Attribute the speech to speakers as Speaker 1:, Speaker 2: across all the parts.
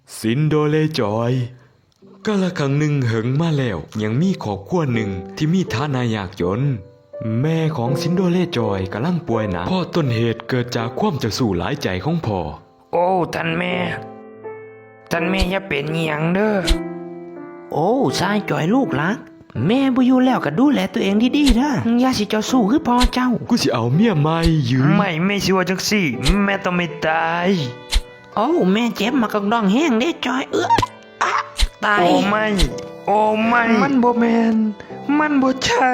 Speaker 1: ซินโดเลจอยกาละครั้งหนึ่งเหิงมาแล้วยังมีครอบครัวหนึ่งที่มีฐานะยากจนแม่ของซินโดเลจอยกำลังป่วยหนักพ่อต้นเหตุเกิดจากความเจ้าสู้หลายใจของพ่อ
Speaker 2: โอ้ท่านแม่อย่าเป็นหยังเด้อ
Speaker 3: โอ้ชายจ่อยลูกรักแม่บ่อยู่แล้วก็ดูแลตัวเองดีๆนะอย่าสิเจ้าสู้คือพ่อเจ้า
Speaker 1: กูสิเอาเมียใหม่ยืม
Speaker 2: ไม่สิว่าจังซี่แม่ต้องไม่ตาย
Speaker 3: โอ้แม่เจ็บมากองดองแห้งเด้จอยตาย
Speaker 2: โอ้ไม่มันบ่แม่นมันบ่ใช่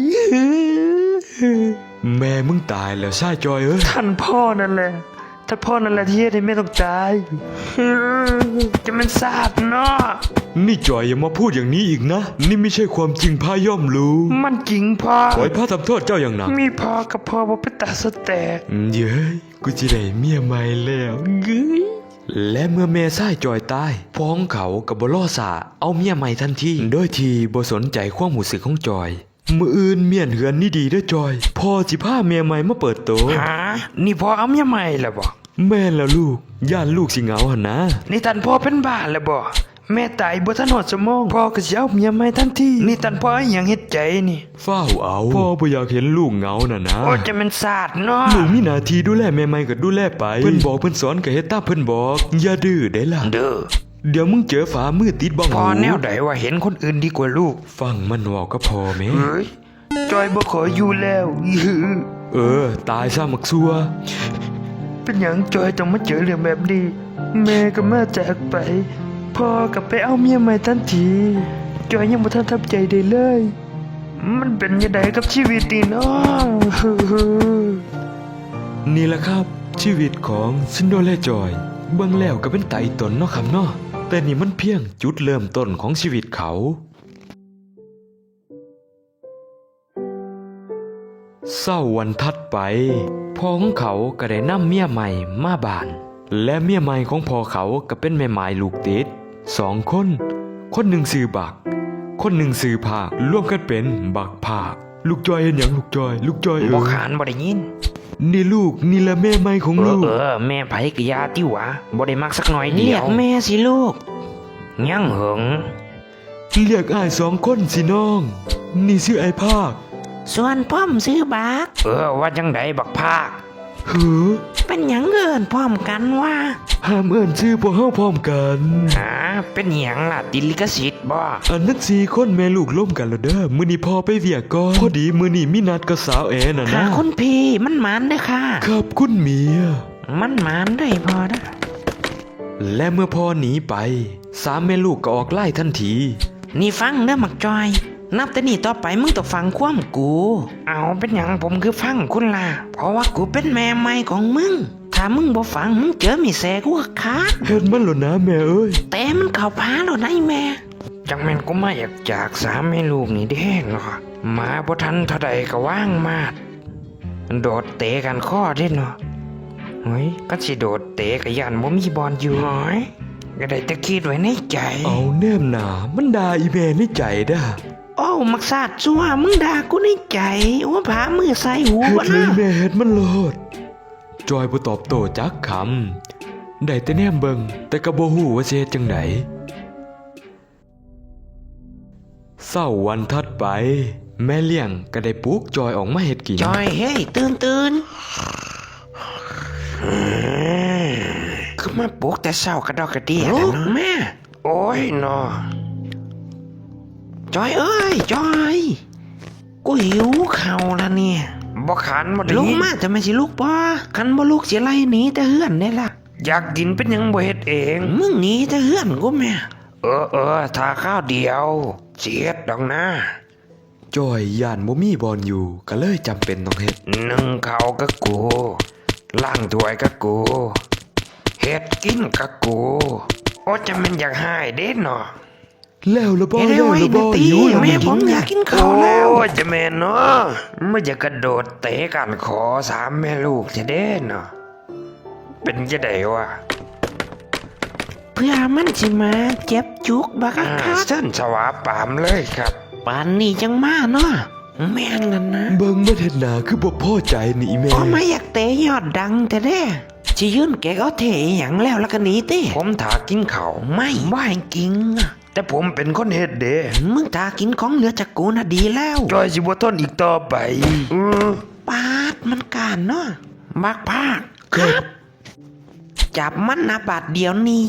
Speaker 1: แม่มึงตายแล้วชายจอยเอ้ย
Speaker 2: ท่านพ่อนั่นแหละที่เฮ็ดให้แม่ต้องตายจะมันสาบเนาะ
Speaker 1: นี่จอยอย่ามาพูดอย่างนี้อีกนะนี่ไม่ใช่ความจริงพาย่อมรู้
Speaker 2: มันจริงพ่อ
Speaker 1: ขอให้พระทำโทษเจ้าอย่างหนัก
Speaker 2: มีพ่อกับพ่อบ่เป็นตาสแตก
Speaker 1: เย้ยกูจะได้เมียใหม่แล้วเย้ยและเมื่อแม่ชายจอยตายพ่อของเขากับบ่รอสาเอาเมียใหม่ทันทีโดยที่บ่สนใจความรู้สึกของจอยมื้ออื่นเมียนเหือนนี่ดีเด้อจอยพ่อสิพาเมียใหม่มาเปิดโต
Speaker 2: หานี่พ่อเอาเมียใหม่แล้วบ่
Speaker 1: แม่นแล้วลูกย่านลูกสิเหงาหั่นนะ
Speaker 2: นี่ท่านพ่อเป็นบ้าแล้วบ่แม่ตายบ่ทันฮอดชั่วโมงพ่อก็สิเอาเมียใหม่ทันทีนี่ท่านพ่ออิหยังเฮ็ดใจนี่
Speaker 1: ฟ้าวเอาพ่อบ่อยากเห็นลูกเหงาน่ะนะ
Speaker 2: โอ้จะมันสาดเนาะ
Speaker 1: ลูกมีหน้าที่ดูแลแม่ใหม่ก็ดูแลไปเพิ่นบอกเพิ่นสอนก็เฮ็ดตามเพิ่นบอกอย่าดื้อได้ล่ะ
Speaker 2: เด้อ
Speaker 1: เดี๋ยวมึงเจอฝามือติดบ้อง
Speaker 2: พ่อแนวใดว่าเห็นคนอื่นดีกว่าลูก
Speaker 1: ฟังมันเว้าก็พอแม่
Speaker 2: เฮ้ยจอยบ่ขออยู่แล้ว
Speaker 1: ตายซะมักซัว
Speaker 2: เป็นหยังจอยต้องมาเจอเรื่องแบบนี้แม่ก็มาจากไปพ่อก็ไปเอาเมียใหม่ทันทีจอยยังบ่ทันทำใจได้เลยมันเป็นยังไงกับชีวิตนี่เนาะ
Speaker 1: นี่แหละครับชีวิตของซินโดเลจอยเบิ่งแล้วก็เป็นไต่ตนเนาะครับเนาะแต่นี่มันเพียงจุดเริ่มต้นของชีวิตเขาเศร้าวันถัดไปพ่อของเขาก็ได้นำเมียใหม่มาบ้านและเมียใหม่ของพ่อเขาก็เป็นแม่หมายลูกติด2 คนหนึ่งชื่อบักคนหนึ่งชื่อภาครวมกันเป็นบักภาคลูกจอยเห็นหยังลูกจอย
Speaker 2: บ่ขานบ่ได้ยิน
Speaker 1: นี่ลูกนี่ละแม่ใหม่ของลูก
Speaker 2: แม่ไผกะยาติวะบ่ได้มักสักหน่อยเดียว
Speaker 3: เรียกแม่สิลูก
Speaker 2: ยังเหิง
Speaker 1: เรียกอ้าย2 คนสิน้องนี่ชื่อไอ้ภาค
Speaker 3: ส่วนพ่อมซื้อบัก
Speaker 2: ว่าจังไดบักภาค
Speaker 3: เป็นหยังเอิ้นพร้อมกันว่า
Speaker 1: ห้ามเอิ้นชื่อพวกเฮาพร้อมกัน
Speaker 2: เป็นหยังล่ะติดลิขสิทธิ์บ่
Speaker 1: อันนั้น4 คนแม่ลูกล่มกันแล้วเด้อมื้อนี้พ่อไปเวียกก่อนพอดีมื้อนี้มีนัดกับสาวแอน่ะนะ
Speaker 3: คุณพี่มันหมานเด้อค่ะ
Speaker 1: ครับคุณเมีย
Speaker 3: มันหมานได้พอนะ
Speaker 1: และเมื่อพ่อหนีไป3 แม่ลูกก็ออกไล่ทันที
Speaker 3: นี่ฟังเด้อมักจอยนับแต่นี้ต่อไปมึงต้องฟังความกู
Speaker 2: เอาเป็นหยังผมคือฟังคุณล่ะ
Speaker 3: เพราะว่ากูเป็นแม่ใหม่ของมึงถ้ามึงบ่ฟังมึงเจอมีแสกูก็ขาด
Speaker 1: เห็นมันแล้วนะแม่เอ้ย
Speaker 3: แต่มันเข้าพาแล้วนะแม่
Speaker 2: จังแม่นกูมาอยากจาก3 แม่ลูกนี่เด้งเนาะมาบ่ทันเท่าใดก็ว่างมาดโดดเตะกันข้อเด้เนาะเฮ้ยก็สิโดดเตะก็ย่านบ่มีบอลอยู่หอยก็ได้แต่คิดไว้ในใจ
Speaker 1: เอาแนมหนามันด่าอีแม่ในใจด้า
Speaker 3: โอ้มักซาดซัวมึงด่ากูในใจว่าผามือใส่หู
Speaker 1: วะนะแม่เฮ็ดมันโลดจอยบ่ตอบโต้จักคำได้แต่แนมเบิ่งแต่ก็บ่ฮู้ว่าสิเฮ็ดจังไดเช้าวันถัดไปแม่เลี้ยงก็ได้ปลุกจอยออกมาเฮ็ดกิน
Speaker 3: จอยเฮ้ยตื่น
Speaker 2: คือมาปลุกแต่เช้ากระดอกกระเดี่ยแล้วเนาะแม่โอ้ยเนาะ
Speaker 3: จอยเอ้ยจอยกูหิวข้าวแล้วเนี่ย
Speaker 2: บ่ขันบ่ได้
Speaker 3: ลุกมาจะไม่สิลูกบ่คันบ่ลูกสิไล่หนีแต่เฮือนได้ล่ะ
Speaker 2: อยากกินเป็นหยังบ่เฮ็ดเอง
Speaker 3: มึงหนีแต่เฮือนกูแม่
Speaker 2: ถ้าข้าวเดียวเสียดดอกนะ
Speaker 1: จอยย่านบ่มีบอลอยู่ก็เลยจำเป็นต้องเฮ็ด
Speaker 2: นึ่งข้าวกับกูล้างถ้วยกับกูเฮ็ดกินกับกูโอ้จะมันอยากหายเด้เนาะ
Speaker 1: แล้วละบ่
Speaker 3: หิวแม่ผมอยากกินข้าวแล้ว
Speaker 2: จะแม่เนาะไม่อยากกระโดดเตะกันขอ3 แม่ลูกจะเด้เนาะเป็นจะได้วะ
Speaker 3: เพื่อมันสิมาเจ็บจุกบักคัก
Speaker 2: เส้นสวาปามเลยครับ
Speaker 3: ปานนี้จังมาเนาะแม่นกันนะ
Speaker 1: เบิ่งบ่เฮ็ดหน้าคือบ่พอใจนี่แม่
Speaker 3: ไม่อยากเตะยอดดังแต่เด้สิยืนแกก็เทอหย่างแล้วกันหนีติ
Speaker 2: ผมถากินข้าว
Speaker 3: ไม่ว่าให้กิงอะ
Speaker 2: แต่ผมเป็นคนเฮ็ดเด้
Speaker 3: มึงตากินของเหลือจากกูน่ะดีแล้ว
Speaker 2: จอยสิบ่ทนอีกต่อไปอ
Speaker 3: ปาดมันการเนาะบักภาคครับจับมันนะบาดเดียวนี่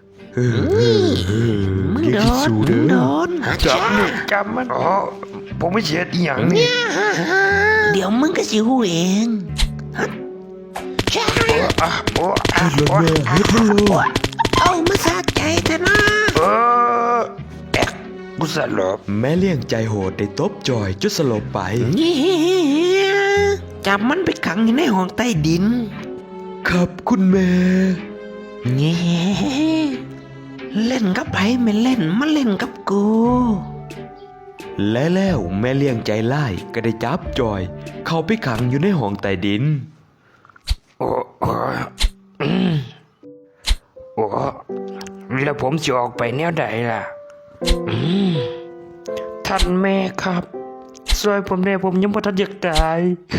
Speaker 3: มึงโดนมึงโดน
Speaker 2: จับนี่จับมันอ๋อผมไม่เสียดอีหยังนี่
Speaker 3: เดี๋ยวมึงก็สิหูเองใช่
Speaker 2: อ่ะโอ้อ่ะ
Speaker 1: เฮ็ดแล้วแม่เฮ็ดแล้วลูก
Speaker 3: เอามาสะใจเถอะนะ
Speaker 2: เออแอ๊กกูสลบ
Speaker 1: แม่เลี้ยงใจโหดได้ตบจอยจนสลบไป
Speaker 3: นี่จับมันไปขังอยู่ในห้องใต้ดิน
Speaker 1: ครับคุณแม่
Speaker 3: นี่เล่นกับไผไม่เล่นมาเล่นกับกู
Speaker 1: และแล้วแม่เลี้ยงใจร้ายก็ได้จับจอย เข้าไปขังอยู่ในห้องใต้ดิน
Speaker 2: โอ้โอ้โอ้แล้วผมจะออกไปแนวใดล่ะท่านแม่ครับช่วยผมได้ผมยังบ่ทันอยากตาย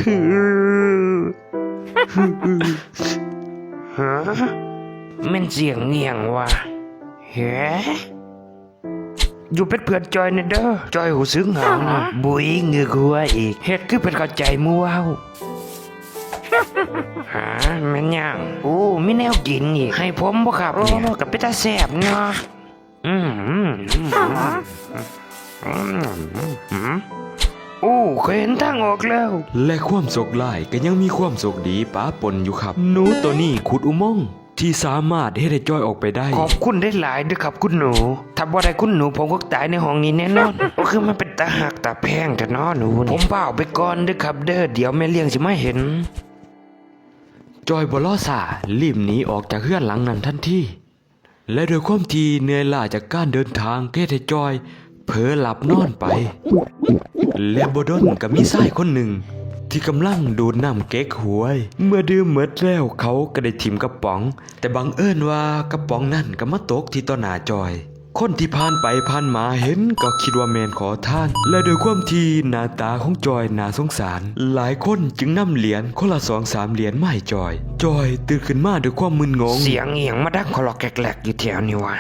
Speaker 2: ฮะแม่นเสียงเงียงว่ะเฮ้อยู่เป็นเพื่อนจอยเนี่ยเด้อจอยหูซึ้งเหงานะบุยเงือกหัวอีกเฮ็ดคือเป็นเข้าใจมู่เว้าหาแม่นยังโอ้มีแนวกินอีกให้ผมบ่ครับเนี่ยกับเป็นตาแซ่บเนาะโอ้เคยเห็นทางออกแล้ว
Speaker 1: และความโศกร้ายก็ยังมีความโศกดีป้าปนอยู่ครับ หนูตัวนี้ขุดอุโมงค์ที่สามารถให้ได้จอยออกไปได้
Speaker 2: ขอบคุณได้หลายด้วยครับคุณหนู ถ้าบ่ได้คุณหนูผมก็ตายในห้องนี้แน่นอน ก็คือมันเป็นตาหักตาแพงแต่น้อหนูนี่ผมเปล่าไปก่อนเด้อครับเด้อเดี๋ยวแม่เลี้ยงสิมาเห็น
Speaker 1: จอยบลอสารีบหนีออกจากเฮือนหลังนั้นทันทีและโดยความที่เหนื่อยล้าจากการเดินทางเทให้จอยเผลอหลับนอนไป และบดนก็มีชายคนหนึ่ง ที่กำลังดูดน้ำเก๊กหวย เมื่อดื่มหมดแล้วเขาก็ได้ถิ่มกระป๋อง แต่บังเอิญว่ากระป๋องนั่นก็มาตกที่ต่อหน้าจอย คนที่ผ่านไปผ่านมาเห็นก็คิดว่าแมนขอทาน และโดยความที่หน้าตาของจอยน่าสงสาร หลายคนจึงนำเหรียญคนละ2-3 เหรียญมาให้จอย จอยตื่นขึ้นมาด้วยความมึนงง
Speaker 2: เสียงเอียงมาดังคลอกแกลกๆอยู่แถวนี้วะ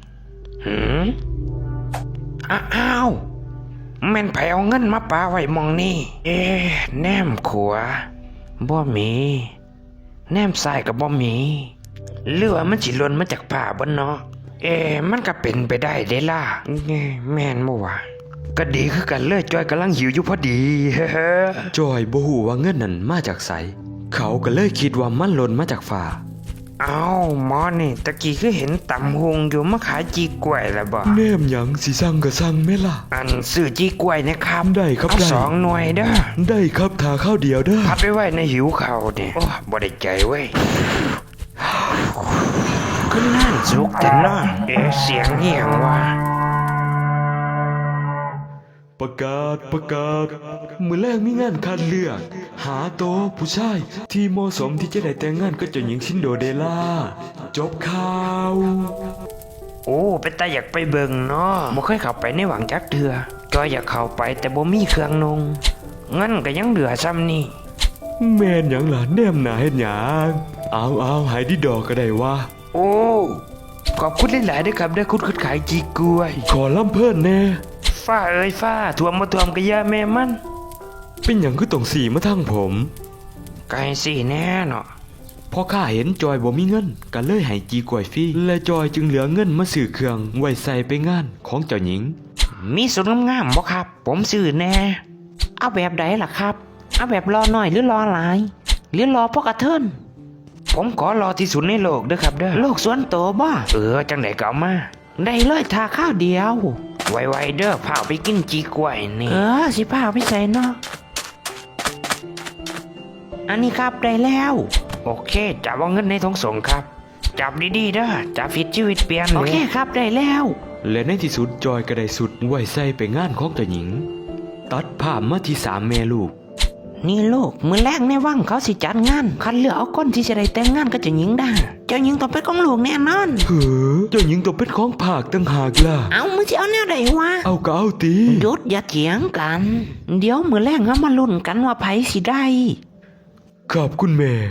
Speaker 2: อ้าวแม่นไผเอาเงินมาปาไว้มองนี่ แนมขวาบ่มีแนมซ้ายก็บ่มีหรือว่ามันสิหล่นมาจากผ้าบ่เนาะมันก็เป็นไปได้เด้ล่ะแม่นบ่วะก็ดีคือกันเลยจอยกำลังหิวอยู่พอดี
Speaker 1: จอยบ่ฮู้ว่าเงินนั้นมาจากไสเขาก็เลยคิดว่ามันหล่นมาจากฟ้า
Speaker 2: เอาหมอนี่ตะกี้คือเห็นตำหงอยู่มาขายจีกล้วยแล้วบ่
Speaker 1: แนมหยังสิสั่งก็สั่งแม่ล่ะ
Speaker 2: อันซื้อจีกล้วยนะครับ
Speaker 1: ได้ครับ
Speaker 2: เอา
Speaker 1: ได้
Speaker 2: 2 หน่วยเด้อ
Speaker 1: ได้ครับทาข้าวเดียวเด้อ
Speaker 2: พัดไว้ในหิวเข่าเนี่ยโอ้บ่ได้ใจเว้ยก็น่านสุกแต่นอนเสียงเหี่ยงว่ะ
Speaker 1: ประกาศมื้อแรกมีงานคัดเลือก หาโตวผู้ชายที่เหมาะสมที่จะได้แต่งงานกับเจ้าหญิงชินโดเดล่าจบข่าว
Speaker 2: โอ้เป็นตาอยากไปเบิ่งเนาะบ่เคยเข้าไปในหวังจักเทื่อจอยอยากเข้าไปแต่บ่มีเครื่องนุ่งงั้นก็ยังเหลือซ้ำนี่
Speaker 1: แม่นหยังล่ะแนมหนาเฮ็ดหยังเอาหายดีดอกก็ได้ว่า
Speaker 2: โอ้ขอบคุณหลายๆด้วยครับได้คุณขายจีกล้วย
Speaker 1: ขอล่ำเพิ่นแน่
Speaker 2: ฟ้าเอ้ยฟ้าท่วมบ่ท่วมก็อย่าแม่มัน
Speaker 1: เป็นหยังคือต้องสีมาทางผม
Speaker 2: ไก่สิแน่เนาะ
Speaker 1: พอข้าเห็นจอยบ่มีเงินก็เลยให้จีกล้วยฟรีและจอยจึงเหลือเงินมาซื้อเครื่องไว้ใส่ไปงานของเจ้าหญิง
Speaker 2: มีสุดงามๆบ่ครับ ผมซื้อแน่
Speaker 3: เอาแบบใดล่ะครับ เอาแบบรอหน่อยหรือรอหลาย หรือรอพวกกระเทิน
Speaker 2: ผมขอรอที่สุดในโลกเด้อครับเด้อ
Speaker 3: โลกส่วนโตวบ่
Speaker 2: จังไดก็เอามา
Speaker 3: ได้เลยทาข้าวเดียว
Speaker 2: ไวๆเด้อพาไปกินจีกล้วยนี่
Speaker 3: สิพาไปใส่เนาะอันนี้ครับได้แล้ว
Speaker 2: โอเคจับเอาเงินในท้องส่งครับ จับดีๆเด้อจับผิดชีวิตเปลี่ยน
Speaker 3: โอเคครับได้แล้ว
Speaker 1: และในที่สุดจอยก็ได้สุดไว้ใส่ไปงานของเจ้าหญิง ตัดภาพมาที่3 แม่ลูก
Speaker 3: นี่ลูกมือแรกในวังเขาสิจัดงานคัดเลือกเอาคนที่จะได้แต่งงานกับเจ้าหญิงได้เจ้าหญิงต้องเป็นของลูกแน่นอน
Speaker 1: เฮ้อเจ้าหญิงต้องเป็นของภาคตั้งหากล่ะ
Speaker 3: เอามึงจะเอาแนวใดวะ
Speaker 1: เอาก็เอาตี
Speaker 3: หยุดอย่าเถียงกัน เดี๋ยวมือแรกเอามาลุ้นกันว่าไผสิได้
Speaker 1: ขอบคุณแม่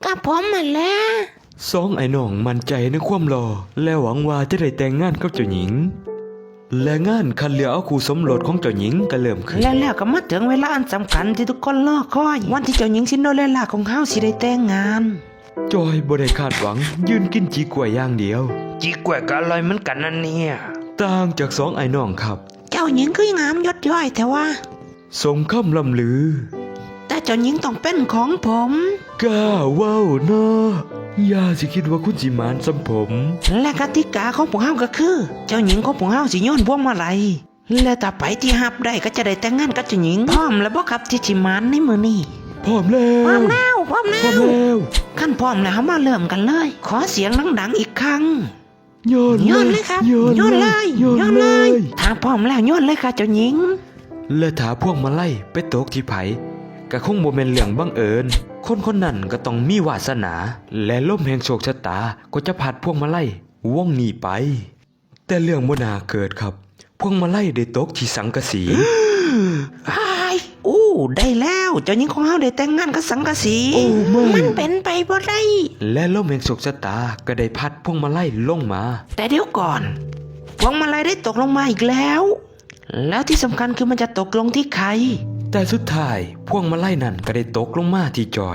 Speaker 3: ก็ผมมาแล้ว
Speaker 1: สองไอ้น้องมั่นใจในความรอและหวังว่าจะได้แต่งงานกับเจ้าหญิง และงานคัดเลือกเอาคู่สมรสของเจ้าหญิงก็เริ่มขึ้น
Speaker 3: แล้วก็มาถึงเวลาอันสำคัญที่ทุกคนรอคอย วันที่เจ้าหญิงซินโดเรลล่าของเฮาสิได้แต่งงาน
Speaker 1: จอยบ่ได้คาดหวังยืนกินจีกล้วยอย่างเดียว
Speaker 2: จีกล้วยก็อร่อยเหมือนกันนั่นเนี่ย
Speaker 1: ต่างจากสองไอ้น้องครับ
Speaker 3: เจ้าหญิงคืองามยศย่อยแต่ว่า
Speaker 1: สมคำล่ำลือ
Speaker 3: แต่เจ้าหญิงต้องเป็นของผม
Speaker 1: กล้าเว้าเนาะอย่าสิคิดว่าคุณสิหมานสำผม
Speaker 3: และกติกาของพวกเฮาก็คือ เจ้าหญิงของพวกเฮาสิโยนพวงมาลัยและถ้าไปที่ฮับได้ก็จะได้แต่งงานกับเจ้าหญิงพร้อมแล้วบ่ครับที่สิหมานในมื้อนี้
Speaker 1: พร้อมแล้ว
Speaker 3: พร้อมแล้วพร้อมแล้
Speaker 1: พร้อม
Speaker 3: ว
Speaker 1: แล้ว
Speaker 3: ขั้นพร้อมแล้วเฮามาเริ่มกันเลย ขอเสียงดังๆอีกครั้ง
Speaker 1: โยน
Speaker 3: โยนเลยครับ
Speaker 1: โยน
Speaker 3: โยนเลย
Speaker 1: โยนเลย
Speaker 3: ถ้าพร้อมแล้วโยนเลยค่ะเจ้าหญิง
Speaker 1: และถ้าพวกมาไล่ไปตกที่ไผก็คงบ่แม่นเรื่องบังเอิญคนคนนั้นก็ต้องมีวาสนา และลมแห่งโชคชะตาก็จะพัดพวกมาไล่วงหนีไป แต่เรื่องบ่น่าเกิดครับ พวกมาไล่ได้ตกที่สังกะสี
Speaker 3: ไอ้อู้ได้แล้วเจ้าหญิงของเฮาได้แต่งงานกับสังกะสี
Speaker 1: โอ้ไม่
Speaker 3: มันเป็นไปบ่ได้
Speaker 1: และลมแห่งโชคชะตาก็ได้พัดพวกมาไล่ลงมา
Speaker 3: แต่เดี๋ยวก่อนพวงมาลัยได้ตกลงมาอีกแล้ว แล้วที่สำคัญคือมันจะตกลงที่ใคร
Speaker 1: แต่สุดท้ายพวกมาไล่นั่นก็ได้ตกลงมาที่จอย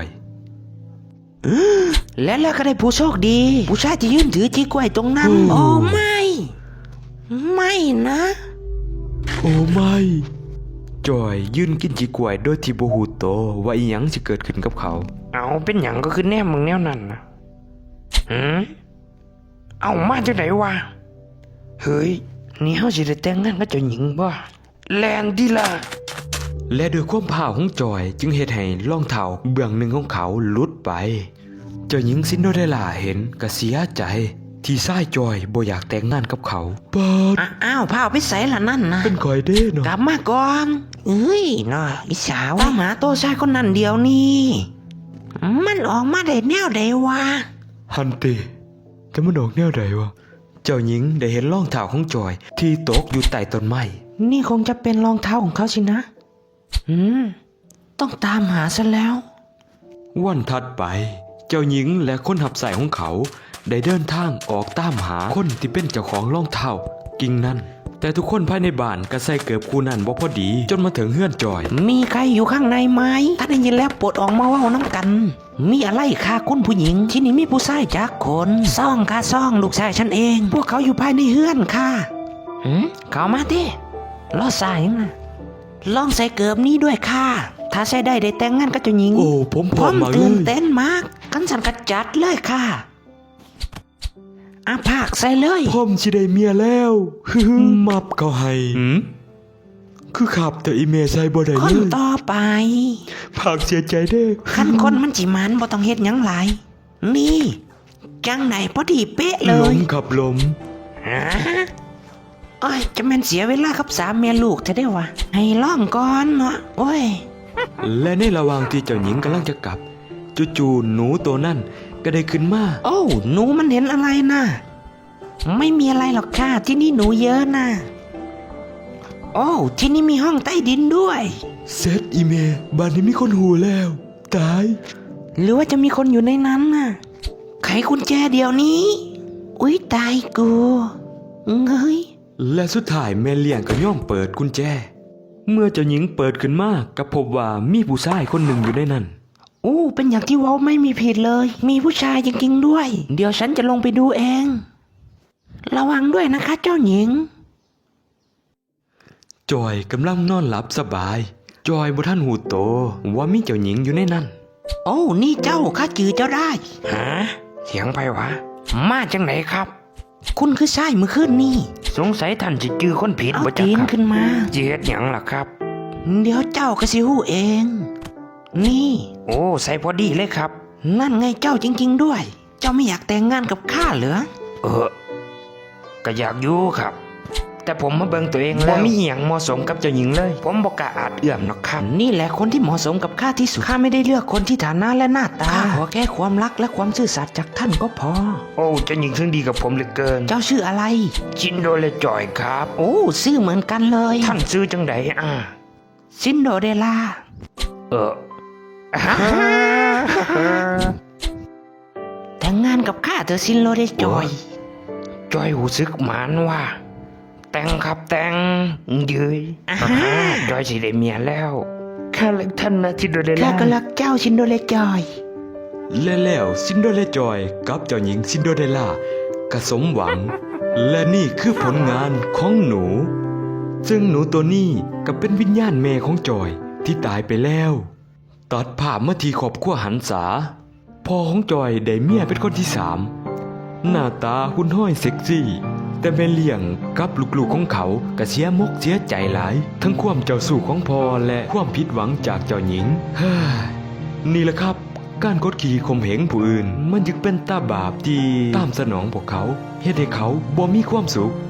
Speaker 3: แล้วก็ได้ผู้โชคดี ผู้ชายที่ยืนถือจีกล้วยตรงนั้น
Speaker 1: โอ้
Speaker 3: โอ้ไม่ ไม่นะ
Speaker 1: โอ้ไม่จอยยืนกินจีกล้วยโดยที่บ่ฮู้โตวว่าอีหยังสิเกิดขึ้นกับเขา
Speaker 2: เอาเป็นหยังก็คือแนมมึงแนวนั้นนะเอามาจากไหนวะเฮ้ยนี่เฮาสิได้แต่งงานกับเจ้าหญิงบ่แลนดีล่ะ
Speaker 1: และด้วยความพาวของจอยจึงเฮ็ดให้รองเท้าเบื้องหนึ่งของเขาหลุดไป เจ้าหญิงซินโดเรลล่าเห็นก็เสียใจ ที่ชายจอยบ่อยากแต่งงานกับเขาปาด
Speaker 3: อ้าวพาไปใส่ละนั่นนะ
Speaker 1: เป็นคอยเด้เนาะ
Speaker 3: กลับมาก่อนเอ้ยน่ะอีสาวตามหาตัวชายคนนั้นเดียวนี่มันออกมาได้แนวใดวะ
Speaker 1: ฮันติแต่มันออกแนวใดวะเจ้าหญิงได้เห็นรองเท้าของจอยที่ตกอยู่ใต้ต้นไม้
Speaker 3: นี่คงจะเป็นรองเท้าของเขาสินะต้องตามหาซะแล้ว
Speaker 1: วันถัดไป เจ้าหญิงและคนหับใส่ของเขา ได้เดินทางออกตามหาคนที่เป็นเจ้าของรองเท้ากิ่งนั้น แต่ทุกคนภายในบ้านก็ใส่เกือบคู่นั้นบ่พอดี จนมาถึงเฮือนจอย
Speaker 3: มีใครอยู่ข้างในไหมถ้าได้ยินแล้วโปรดออกมาเว้าน้ำกัน มีอะไรค่ะคุณผู้หญิง ที่นี่มีผู้ชายจักคนซ่องค่ะซ่องลูกชายฉันเอง พวกเขาอยู่ภายในเฮือนค่ะเข้ามาดิล้อสายยังนะลองใส่เกือบนี้ด้วยค่ะ ถ้าใส่ได้แต่งงานกับเจ้าหญิง
Speaker 1: โอ้ผมพร้อมมากเล
Speaker 3: ตื่น
Speaker 1: ย
Speaker 3: เต้นมากกันสันกระจัดเลยค่ะอาภาคใส่เลย
Speaker 1: ผมสิได้เมียแล้ว มับเขาให้คือขับแต่อีเมใส่บ่ได้
Speaker 3: ค
Speaker 1: เล
Speaker 3: น
Speaker 1: ย
Speaker 3: ต่อไป
Speaker 1: ภาคเสียใจเด้อ
Speaker 3: ขั้นคนมันจิมันบ่ต้องเฮ็ดหยังหลายนี่จังไหนพอดีเป๊ะเล
Speaker 1: ล้
Speaker 3: ย
Speaker 1: มขับล้ม
Speaker 3: โอ้ยจะแม่นเสียเวลากับสามเมียลูกเธอได้วะให้ล่องก่อนเนาะโอ้ย
Speaker 1: และในระหว่างที่เจ้าหญิงกำลังจะกลับจู่ๆหนูตัวนั่นก็ได้ขึ้นมา
Speaker 3: โอ้หนูมันเห็นอะไรนะไม่มีอะไรหรอกค่ะที่นี่หนูเยอะนะโอ้ที่นี่มีห้องใต้ดินด้วย
Speaker 1: เซตอีเมบ้านนี้มีคนหูแล้ว ตาย
Speaker 3: หรือว่าจะมีคนอยู่ในนั้นน่ะไขกุญแจเดี๋ยวนี้อุ๊ยตายกูเฮ้ย
Speaker 1: และสุดท้ายแม่เลี้ยงก็ย่อมเปิดกุญแจ เมื่อเจ้าหญิงเปิดขึ้นมาก็พบว่ามีผู้ชายคนหนึ่งอยู่ในนั้น
Speaker 3: อู้เป็นอย่างที่เว้าไม่มีผิดเลย มีผู้ชายจริงๆด้วย เดี๋ยวฉันจะลงไปดูเอง ระวังด้วยนะคะเจ้าหญิง
Speaker 1: จอยกำลังนอนหลับสบาย จอยบ่ทันหูโตว่ามีเจ้าหญิงอยู่ในนั้น
Speaker 3: โอ้นี่เจ้าข้าจือเจ้าได้
Speaker 2: ฮะเสียงไผวะมาจากไหนครับ
Speaker 3: คุณคือชายเมื่อคืนนี่
Speaker 2: สงสัยท่านจะจื้อคนผิด
Speaker 3: เอา
Speaker 2: บ่จัก
Speaker 3: ตีน
Speaker 2: ครับ
Speaker 3: ขึ้นมา
Speaker 2: สิเฮ็ดหยังล่ะครับ
Speaker 3: เดี๋ยวเจ้าก็สิหู้เอง นี่
Speaker 2: โอ้ใส่พอดีเลยครับ
Speaker 3: นั่นไงเจ้าจริงๆด้วย เจ้าไม่อยากแต่งงานกับข้าเหรอ
Speaker 2: ก็อยากอยู่ครับ แต่ผมมาเบิ่งตัวเองแล้วบ่มีหยังเหมาะสมกับเจ้าหญิงเลย ผมบ่กล้าอาจเอื้อมหรอกครับ
Speaker 3: นี่แหละคนที่เหมาะสมกับข้าที่สุด ข้าไม่ได้เลือกคนที่ฐานะและหน้าตาข้าขอแค่ความรักและความซื่อสัตย์จากท่านก็พอ
Speaker 2: โอ้เจ้าหญิงซึ่งดีกับผมเหลือเกิน
Speaker 3: เจ้าชื่ออะไร
Speaker 2: ชินโดเลจอยครับ
Speaker 3: โอ้ชื่อเหมือนกันเลย
Speaker 2: ท่านซื้อจังได
Speaker 3: ซินโดเรลล่างงานกับข้าเธอซินโลได้จอย
Speaker 2: จอยหูซึกหมานว่า แต่งครับแต่งเย้ย
Speaker 3: อ่า
Speaker 2: จอยสิได้เมียแล้วข้ารักท่านนะจินโดเรล
Speaker 3: ข้า
Speaker 2: ล่า
Speaker 3: ก็รักเจ้าซินโดเลจอย
Speaker 1: และแล้วซินโดเรลล่าจอยกับเจ้าหญิงซินโดเรลล่าก็สมหวัง และนี่คือผลงานของหนู ซึ่งหนูตัวนี้ก็เป็นวิญญาณแม่ของจอยที่ตายไปแล้ว ตัดภาพมาที่ครอบครัวหันษาพ่อของจอยได้เมียเป็นคนที่สามหน้าตาหุ่นห้อยเซ็กซี่ แต่แม่เลี้ยงกับลูกๆของเขาก็เสียมกเสียใจหลาย ทั้งความเจ้าสู้ของพ่อและความผิดหวังจากเจ้าหญิงเฮ้ยนี่แหละครับ การกดขี่ข่มเหงผู้อื่น มันจึงเป็นตาบาปที่ตามสนองพวกเขาเฮ็ดให้เขาบ่มีความสุข